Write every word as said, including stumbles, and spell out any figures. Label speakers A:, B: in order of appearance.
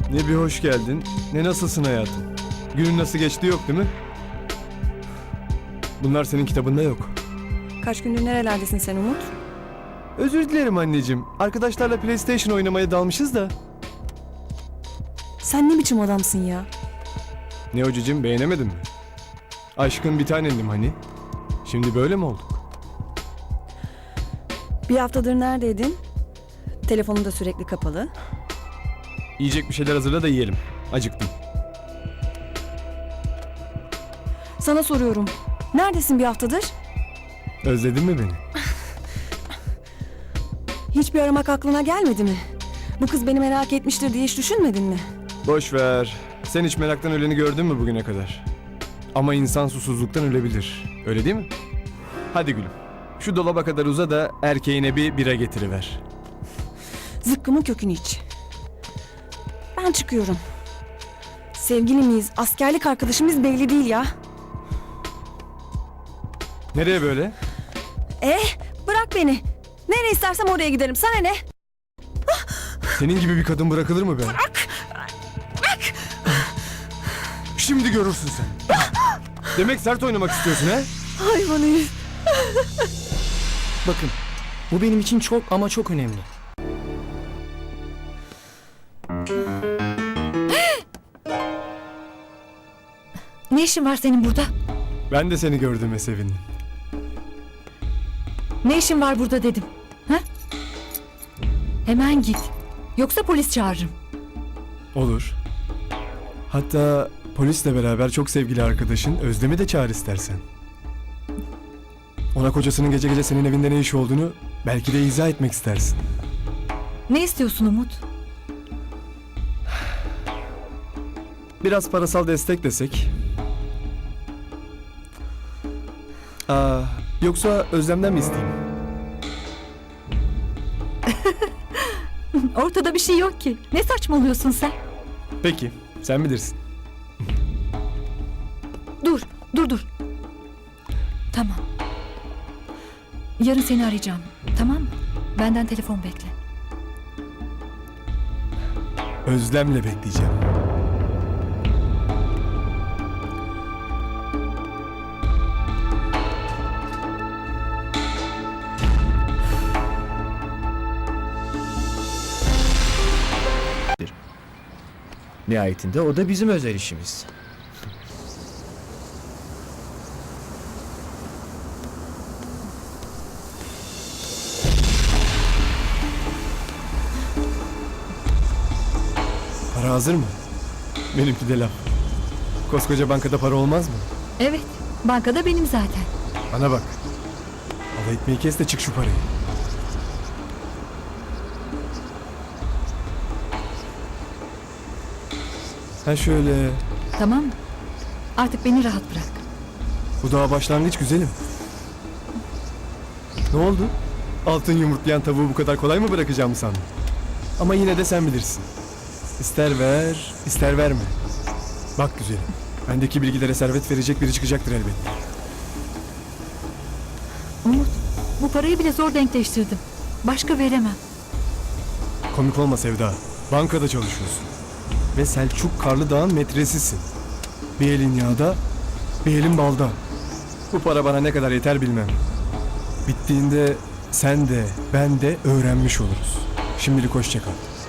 A: Ne bir hoş geldin, ne nasılsın hayatım? Günün nasıl geçti yok değil mi? Bunlar senin kitabında yok.
B: Kaç gündür nerelerdesin sen Umut?
A: Özür dilerim anneciğim. Arkadaşlarla PlayStation oynamaya dalmışız da.
B: Sen ne biçim adamsın ya?
A: Ne o cicim, beğenemedin mi? Aşkın bir tanenim hani. Şimdi böyle mi olduk?
B: Bir haftadır neredeydin? Telefonun da sürekli kapalı.
A: Yiyecek bir şeyler hazırla da yiyelim. Acıktım.
B: Sana soruyorum. Neredesin bir haftadır?
A: Özledin mi beni?
B: Hiçbir aramak aklına gelmedi mi? Bu kız beni merak etmiştir diye hiç düşünmedin mi?
A: Boş ver. Sen hiç meraktan öleni gördün mü bugüne kadar? Ama insan susuzluktan ölebilir. Öyle değil mi? Hadi gülüm. Şu dolaba kadar uza da erkeğine bir bira getiriver.
B: Zıkkımın kökünü iç. Ben çıkıyorum. Sevgili miyiz, askerlik arkadaşımız belli değil ya.
A: Nereye böyle?
B: Eh, bırak beni. Nereye istersem oraya giderim. Sana ne?
A: Senin gibi bir kadın bırakılır mı be? Bırak! Bırak! Şimdi görürsün sen. Demek sert oynamak istiyorsun he?
B: Hayvan herif.
C: Bakın, bu benim için çok ama çok önemli.
D: Ne işin var senin burada?
A: Ben de seni gördüğüme sevindim.
D: Ne işin var burada dedim. Ha? Hemen git. Yoksa polis çağırırım.
A: Olur. Hatta polisle beraber çok sevgili arkadaşın Özlem'i de çağır istersen. Ona kocasının gece gece senin evinde ne iş olduğunu belki de izah etmek istersin.
D: Ne istiyorsun Umut?
A: Biraz parasal destek desek. Aa, yoksa Özlem'den mi isteyeyim?
D: Ortada bir şey yok ki. Ne saçmalıyorsun sen?
A: Peki, sen bilirsin.
D: Dur, dur dur. Tamam. Yarın seni arayacağım. Tamam mı? Benden telefon bekle.
A: Özlem'le bekleyeceğim.
C: Nihayetinde o da bizim özel işimiz.
A: Para hazır mı? Benimki de laf. Koskoca bankada para olmaz mı?
D: Evet, bankada benim zaten.
A: Bana bak. Alay etmeyi kes de çık şu parayı. Ha şöyle.
D: Tamam mı? Artık beni rahat bırak.
A: Bu daha başlangıç güzelim. Ne oldu? Altın yumurtlayan tavuğu bu kadar kolay mı bırakacağımı sandın? Ama yine de sen bilirsin. İster ver, ister verme. Bak güzelim. Bendeki bilgilere servet verecek biri çıkacaktır elbette.
D: Umut, bu parayı bile zor denkleştirdim. Başka veremem.
A: Komik olma Sevda. Bankada çalışıyorsun. Ve Selçuk Karlıdağ'ın metresisin. Bir elin yağda, bir elin balda. Bu para bana ne kadar yeter bilmem. Bittiğinde sen de, ben de öğrenmiş oluruz. Şimdilik hoşça kal.